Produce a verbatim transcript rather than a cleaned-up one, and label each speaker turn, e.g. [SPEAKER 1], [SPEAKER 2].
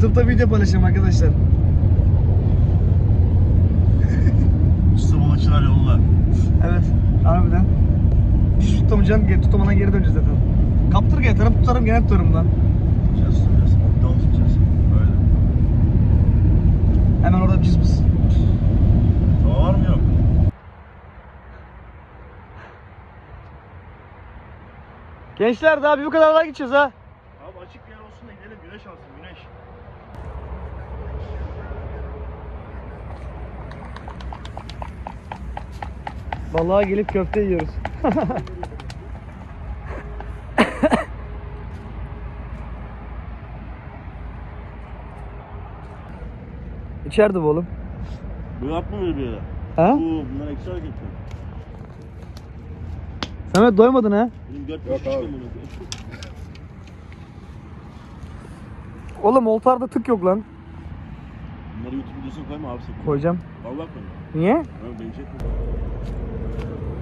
[SPEAKER 1] YouTube'da video paylaşacağım arkadaşlar.
[SPEAKER 2] Usta balıkçılar yolunda.
[SPEAKER 1] Evet, harbiden. Hiç tutamayacaksın, geri tutamadan geri döneceğiz zaten. Kaptırga yatarım, tutarım gene tutarım lan.
[SPEAKER 2] Tutacağız, tutacağız. Ondan tutacağız. Öyle.
[SPEAKER 1] Hemen orada bir cızbız.
[SPEAKER 2] Hava var mı yok?
[SPEAKER 1] Gençler daha bir bu kadar daha gideceğiz ha.
[SPEAKER 2] Abi açık bir yer olsun da gidelim, güneş alsın, güneş.
[SPEAKER 1] Balığa gelip köfte yiyoruz. İçeride bu oğlum.
[SPEAKER 2] Bu yapma böyle bir yere.
[SPEAKER 1] Ha?
[SPEAKER 2] Bu, bunlar eksi hareketler.
[SPEAKER 1] Samet doymadın ha?
[SPEAKER 2] Benim dört
[SPEAKER 3] Yok
[SPEAKER 2] beş
[SPEAKER 3] abi.
[SPEAKER 2] çıkıyor bunu.
[SPEAKER 1] Oğlum oltarda tık yok lan.
[SPEAKER 2] Bunları YouTube videosuna koyma abi sakın.
[SPEAKER 1] Koyacağım.
[SPEAKER 2] Vallahi koyma.
[SPEAKER 1] Niye?
[SPEAKER 2] Abi beni çekme.